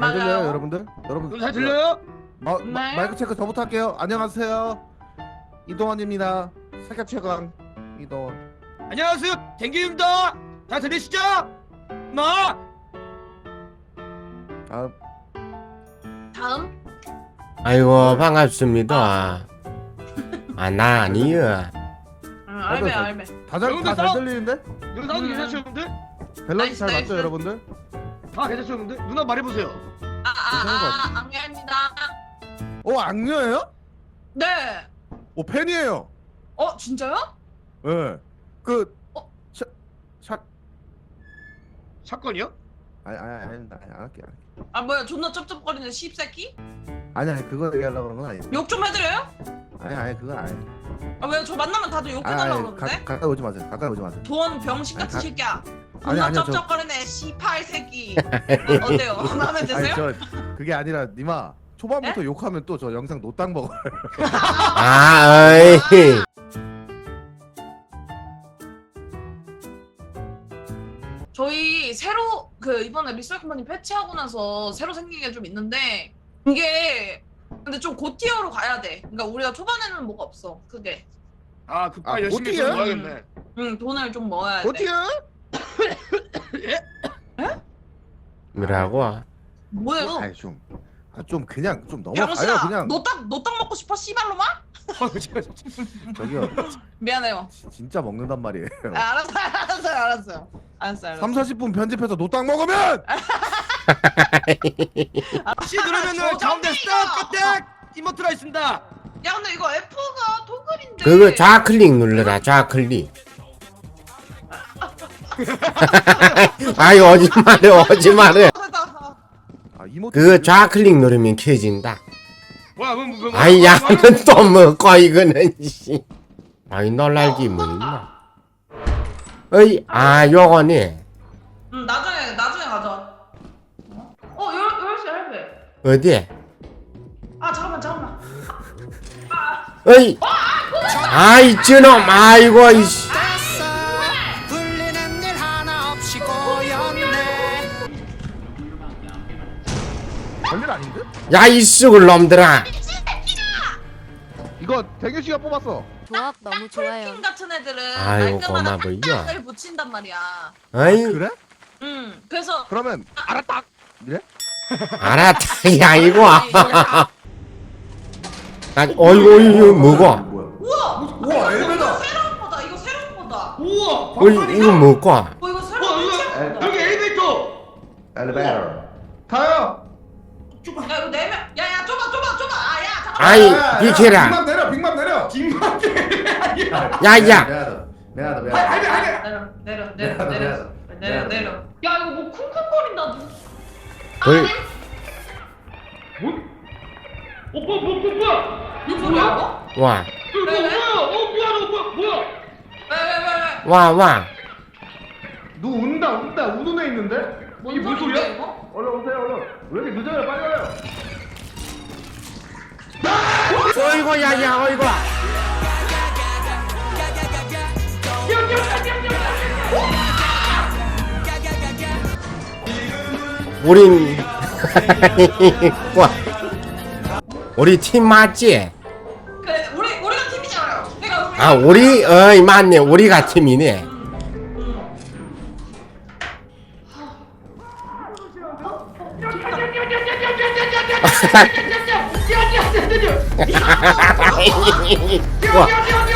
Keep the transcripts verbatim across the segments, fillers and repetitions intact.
잘 들려요, 맞아요. 여러분들? 여러분 잘 들려요? 마, 네. 마, 마이크 체크 저부터 할게요. 안녕하세요. 이동원입니다. 세계 최강 이동원. 안녕하세요, 댕기입니다. 잘 들리시죠? 나. 아, 다음. 아이고 반갑습니다. 아 나 아니요. 응, 알베 잘- 알베. 다잘 여러분들 다 잘 싸워- 들리는데? 여기 나오는 음. 괜찮죠, 여러분들? 밸런스 나이스, 잘 맞죠, 나이스. 여러분들? 다 괜찮죠, 여러분들? 누나 말해보세요. 괜찮은 것 아아아 안개입니다. 어, 악녀예요? 네. 오, 팬이에요. 어 진짜요? 예. 네. 그 어? 샤, 샤, 사건이요? 아니 아니 아니 아니, 안 할게. 안 할게. 아 뭐야 존나 쩝쩝거리는 씹새끼? 아니 아니 그거 얘기하려고 그런 건 아니에요. 욕 좀 해드려요? 아니 아니 그건 아니에요. 아 왜 저 만나면 다들 아니, 욕해달라고 아니, 그러는데? 가, 가까이 오지 마세요. 가까이 오지 마세요. 돈 병신 같은 아니, 가- 새끼야. 아니, 존나 아니요, 저- 쩝쩝거리네 씨팔 새끼. 어때요? 마음에 아니 드세요? 저 그게 아니라 니마 초반부터 욕하면 또 저 영상 노땅 먹어. 아 어이. 저희 새로 그 이번에 리셀 컴퍼니 패치하고 나서 새로 생긴 게 좀 있는데 이게 근데 좀 고티어로 가야 돼. 그러니까 우리가 초반에는 뭐가 없어. 그게. 아, 그빠 아, 열심히 어떻게 좀 해? 모아야겠네. 응 돈을 좀 모아야 돼. 어떻게? 뭐라고? 뭐예요? 아니 좀, 아, 좀 그냥 좀 넘어가요 병신아, 그냥. 너딱 너딱 먹고 싶어 씨발로마? 아, 제가 저기요, 미안해요. 지- 진짜 먹는단 말이에요. 아, 알았어요, 알았어요, 알았어요. 알았어요, 알았어요. 삼, 사십 분 편집해서 노땅 먹으면 혹시 누르면은 저 가운데 정민이가! 스탑 딱 이모트가 있습니다. 야 근데 이거 F가 토글인데. 그거 좌클릭 눌러라 좌클릭. 아이 오지 마래 오지 마래. 아 이모트. 그거 좌클릭 누르면 켜진다. 뭐야, 뭐, 뭐, 뭐, 아이 뭐, 야는 뭐, 또 먹고 이거는 씨. 아이 놀랄기 뭐 있나? 어이 아 요거네. 응 나중에 나중에 가자. 어? 어 열, 열시 할배. 어디? 아 잠깐만 잠깐만. 어이 아이 저놈 아이고 이씨. 불리는 일 하나 없이 고였네. 별일 아닌데? 야이 쑥을 놈들아. 이거 대규 씨가 뽑았어. 조합 너무 좋아요. 폴킹 같은 애들은 아이고, 말끔한 고마워, 이거. 한딱을 붙인단 말이야. 어이 그래? 응 그래서 그러면 알았다. 이래? 알았다 야 이거. 아니, 이거- 아니 어이구 이거 뭐고? 뭐야? 우와 우와, 이거 엘베다. 새로운 거다. 이거 새로운 거다. 우와, 어이 이거 방판이다. 뭐고? 어 이거 새로운 어, 이거 거다. 여기 엘리베이터. 엘리베이터. 타요. 야 이거 네 명. 야야 좁아 좁아 좁아. 아야 잠깐만. 아이 비켜라. 빅맘 내려, 빅맘 내려. 뒷맛에. 야야. 미안하다, 미안하다, 미안하다. 아니, 아니, 아니. 내려 내려 내려 내려, 내려 내려. 내려 내려. 야 이거 뭐 쿵쿵거린다. 누- 뭘? 아니 뭐? 어, 뭐, 뭐, 뭐, 뭐야? 이거 뭐야 이거? 와. 이거 왜, 왜? 뭐야? 어, 미안해, 뭐야, 뭐야? 왜왜왜 왜? 와, 와. 누 운다, 운다, 우는 애 있는데? 이게 뭔 소리야? 이거? 얼른 오세요, 얼른. 왜 이렇게 늦어요? 빨리 와요. 어이구, 야, 야, 어이구. 우린, 와. 우리 팀 맞지? 그래 우리 우리가 팀이잖아요. 내가 우리. 아, 우리, 어이, 맞네. 우리가 팀이네. 와.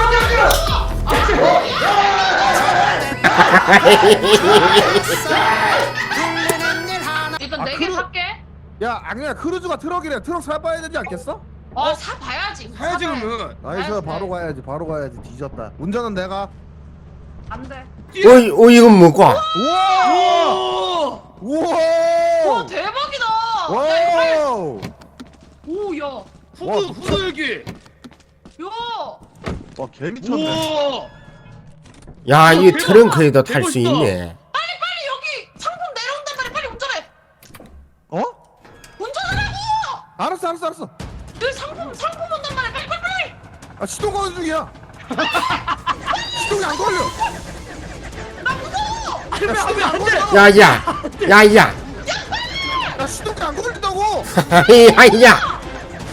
불리는 일 하나 일단 아, 네 개 그러- 살게. 야, 악녀야, 크루즈가 트럭이래. 트럭 사봐야 되지 않겠어? 어 사봐야지. 사야지, 사봐야지. 그러면. 나이스, 알았어. 바로 가야지, 바로 가야지. 뒤졌다. 운전은 내가. 안 돼. 어이, 어, 이건 뭐고? 우와! 오! 우와! 와 대박이다. 야 이거 빨리. 와우! 오 야. 와, 후드, 후드 여기. 야. 와, 개 미쳤네. 우와. 야, 이 대박. 트렁크에도 탈 수 대박 있다. 있네. 빨리 빨리 여기 상품 내려온단 말이야. 빨리 운전해. 어? 운전하라고. 알았어, 알았어, 알았어. 여기 상품 상품 온단 말이야. 빨리 빨리 빨리. 아, 시동 거는 중이야. 시동이 안 걸려. 나 무서워. 하면 하면 안 돼. 야, 야, 야, 야. 야, 시동이 안 걸려. 걸린다고. 야야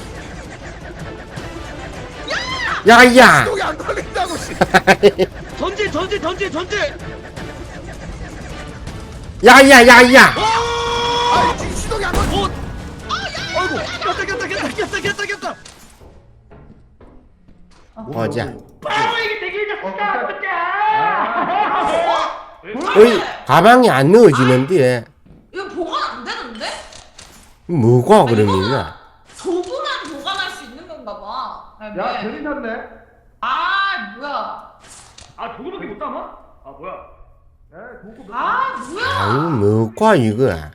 야야 시동이 안 걸린다고. 씨. 전진 전진 전진 전진. 야야야야 아 지금 시동이 안 걸려. 어. 아이고. 꼈다 꼈다 꼈다 꼈다 꼈다 꼈다. 보자 바로 이게 되게 좋다. 어이 가방이 안 넣어지는데 이거 보관 안 되는데? 뭐가 그러면은 도구만 보관할 수 있는 건가 봐. 아, 야 왜? 괜히 샀네. 아 뭐야? 아 도구밖에 못 담아? 아 뭐야? 에 도구. 아 뭐야? 아유 뭐가 이거 에?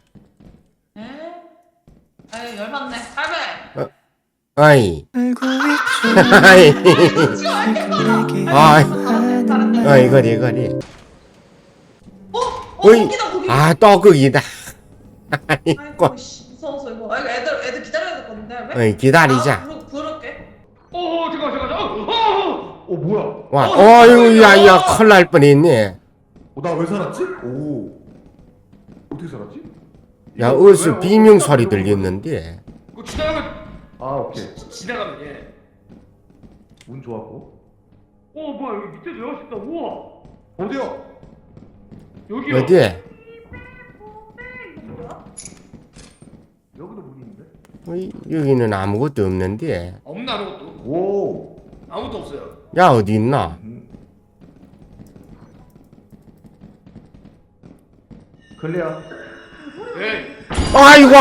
에이 열받네. 할배. 아이 아이 아이 아이 거리 거리 어? 어 어이 고기다 고기. 아 떡국이다 아이고 아이고 씨 무서워서 이거. 아 이거 애들 애들 기다려야 될 건데 할배. 어이 기다리자 아, 부르, 부를게. 어 잠깐 잠깐 잠깐. 어. 어 뭐야? 와 어이구 야야 큰일 날 뻔했네 어, 나 왜 살았지? 오. 어떻게 살았지? 야 이거 어디서 왜 비명 어디서 소리 이런 거- 들렸는데 그 지나가면 아 오케이. 지나가면 예. 운 좋았고. 어 뭐야 여기 밑에 들어갈 수 있다. 우와. 어디요? 여기요. 어디 여기도 문이 있는데? 어이, 여기는 아무것도 없는데 없나 아무것도. 오. 아무것도 없어요. 야 어디 있나 음. 클리어. 예. 아이고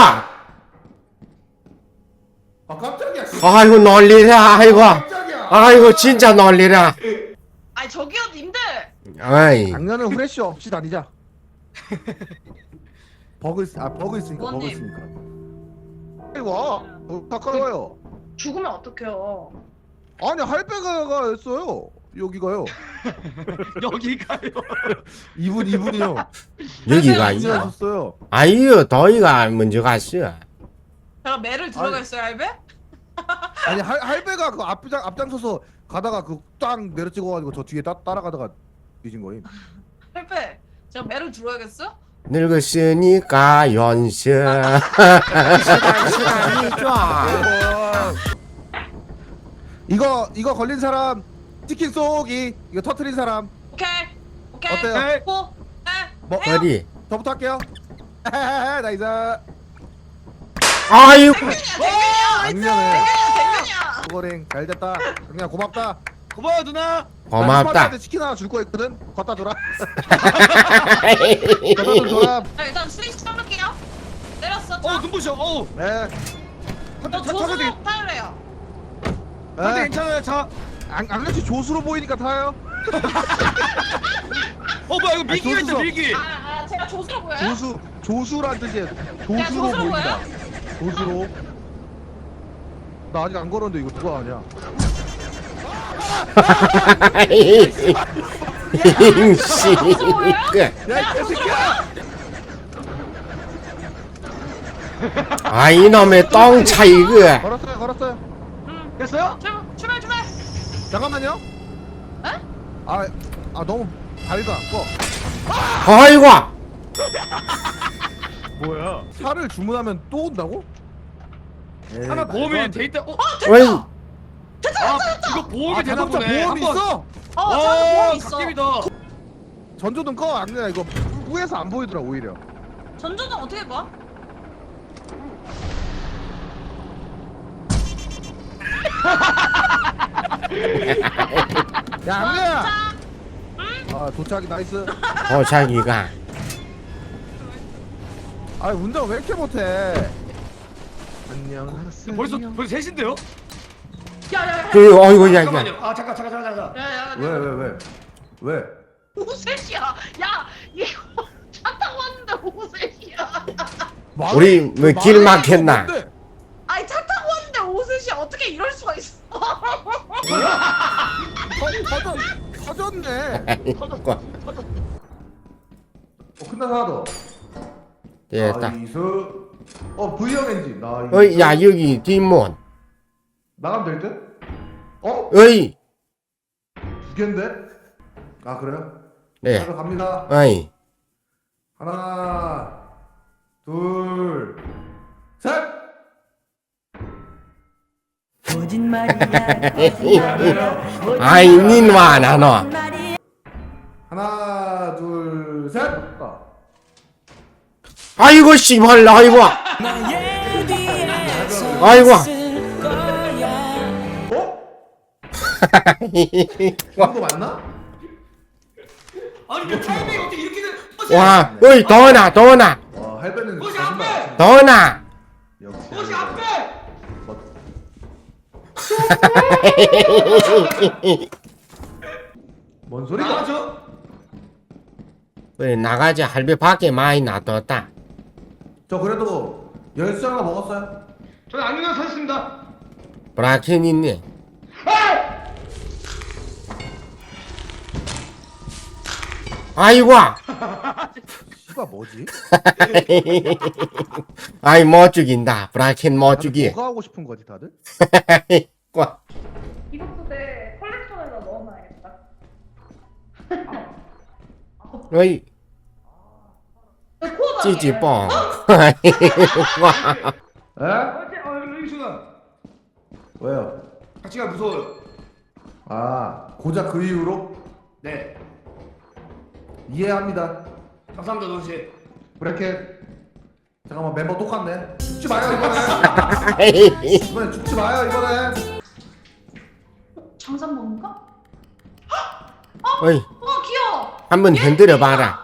아 깜짝이야. 씨. 아이고 놀리라 아이고 깜짝이야. 아이고 진짜 놀리라 아니 저기요 님들. 아이 작년은 후레쉬 없이 다니자. 버그 있, 아 버그 있으니까 버그 의원님. 있으니까. 이거 어, 가까워요. 죽으면 어떡해요? 아니 할배가 했어요. 여기가요. 여기가요. 이분 이분이요. 여기가 이제 있나 하셨어요. 아이요 더이가 먼저 갔어 제가 매를 들어갔어요 할배? 아니 할 할배가 그 앞장 앞장서서 가다가 그 딱 내려찍어가지고 저 뒤에 따, 따라가다가 뒤진 거임. 할배 제가 매를 들어야겠어? 늙었으니까 연세 시간이 좋아 이거 이거 걸린 사람 치킨 쏘기 이거 터트린 사람 오케이 오케이. 어때요? 고. 네. 뭐 해요. 어디 저부터 할게요. 나이스. 아이고 댕균이야 댕균이야. 작년에 댕균이야. 고거링 잘 됐다. 그냥 고맙다. 고마워 누나. 고맙다 나 치킨 하나 줄 거 있거든. 걷다 줘라. 걷다 좀 줘라. 자 일단 스위치 쳐볼게요. 내렸어. 어 눈부셔. 어. 네. 저 차 차가 되. 조수로 타래요. 근데 네. 괜찮아요 차. 안 안같이 조수로 보이니까 타요. 어 뭐야 이거 미기가 있다 조수석. 미기. 아, 아 제가 조수로 보여요? 조수 조수란 뜻이에요. 조수로 조수로 보인다. 조수로. 나 아직 안 걸었는데 이거 누가 하냐? 임씨 야이 개새끼야! 아 이놈의 똥차 이거 걸었어요, 걸었어요. 응. 됐어요? 출발 출발 출발. 잠깐만요. 에? 아, 아 너무 다리가 안 꺼. 아이고 뭐야? 차를 주문하면 또 온다고? 에이, 하나 말도 보험이 안 돼. 돼 있다. 어? 어이 아 이거 보험이 아, 되나 자동차 보네. 보험이 한번- 있어? 어 저는 보험 있어. 갓김이다. 전조등 꺼. 안 그냥 이거 후에서 안 보이더라 오히려. 전조등 어떻게 봐? 야, 안돼야. 자, 아 도착이 나이스. 도자기가 아 운전 왜 이렇게 못해? 안녕하세요. 벌써 벌써 셋인데요? 야야야. 그 어이구 야야 잠깐만요. 아 잠깐 잠깐 잠깐 잠깐. 야야. 왜 왜 왜? 왜? 오후 세 시야. 야 이거 차 타고 왔는데 오후 세 시야. 말- 우리 뭐 길 말을 막혔나 뭔데? 아니 차 타고 왔는데 오후 세 시야. 어떻게 이럴 수가 있어? 어, 터졌 터졌네. 아이고 어 끝나서 하나 더. 됐다 나이스. 어 V형 엔진. 나이스. 어이 야 여기 뒷문 나가면 될 듯? 어? 어이 두 개인데? 아 그래요? 네 자, 갑니다. 어이 하나, 둘, 셋. 아이 닌와 나노. 하나 둘 셋. 가. 아이고 씨발 아이고. 아이고. 어? 이거 맞나? 아니 그 타이밍이 어떻게 이렇게 돼? 와, 어이 더나 더나 와 할배는 꽃이 거짓말 안 앞에! 치네. 더나. 역시 꽃이 할배. 앞에! 뭔 소리야? 나가죠? 그래 나가자 할배 밖에 많이 놔뒀다. 저 그래도 열쇠 하나 먹었어요. 저는 안경을 사셨습니다. 브라켄 있네. 아이고. 씨가 뭐지? 아이 못 죽인다. 브라켄 못 죽이. 뭐가 하고 싶은 거지 다들? 와. 이것도 내 컬렉션에다 넣어놔야겠다. 어이 코어다. 찌찌뽕. 와. 에? 어째 어 루이수가 왜요? 같이가 무서워요. 아 고작 그 이유로 네. 이해합니다. 감사합니다 도시. 브레켓. 잠깐만 멤버 똑같네. 죽지 마요 이번에. 이번에 죽지 마요 이번에. 장산 먹는가? 어이 어 귀여워. 한번 흔들어 봐라.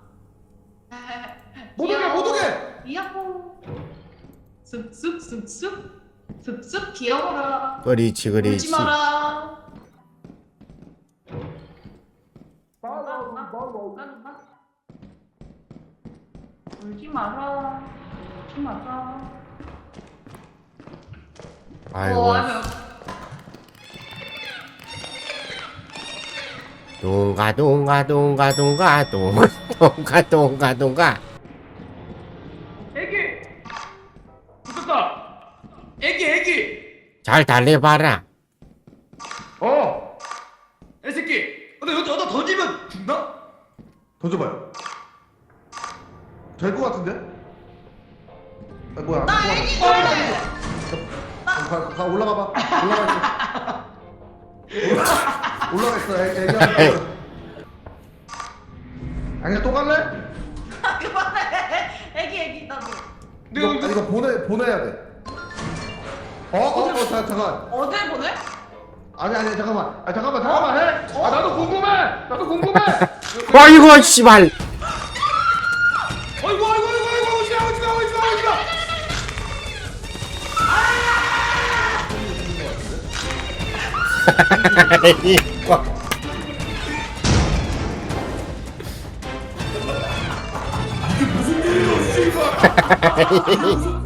못 오게 못 오게. 이야호. 쓱쓱 쓱쓱 쓱쓱 귀여워라. 그렇지 울지 그렇지. 마라. 누가 누가 누가 누가 울지 마라. 울지 마라. 아이고. 어, 아니요. 동가 동가 동가 동가 동가 동가 동가 동가. 애기. 붙었다. 애기 애기. 잘 달래봐라. 어. 애새끼. 근데 여기 어디다 던지면 죽나? 던져봐요. 될 것 같은데? 아, 뭐야? 나 뭐야? 애기 좋아해. 가, 가 올라가봐. 올라가 있어. 올라- 올라가 있어. 애, 애기야. 아니 또 갈래? 그만해. 애기 애기 나도. 근데 이거, 여기 아니, 이거 보내 보내야 돼. 어? 어? 어? 자, 잠깐. 어딜 보내? 아니 아니 잠깐만. 아 잠깐만 잠깐만 해. 아 나도 궁금해. 나도 궁금해. 아이고 씨발. 어이구 어이구 어이구 어이구 오지마 오지마 오지마 오지마. 이게 무슨 일이야, 씨발.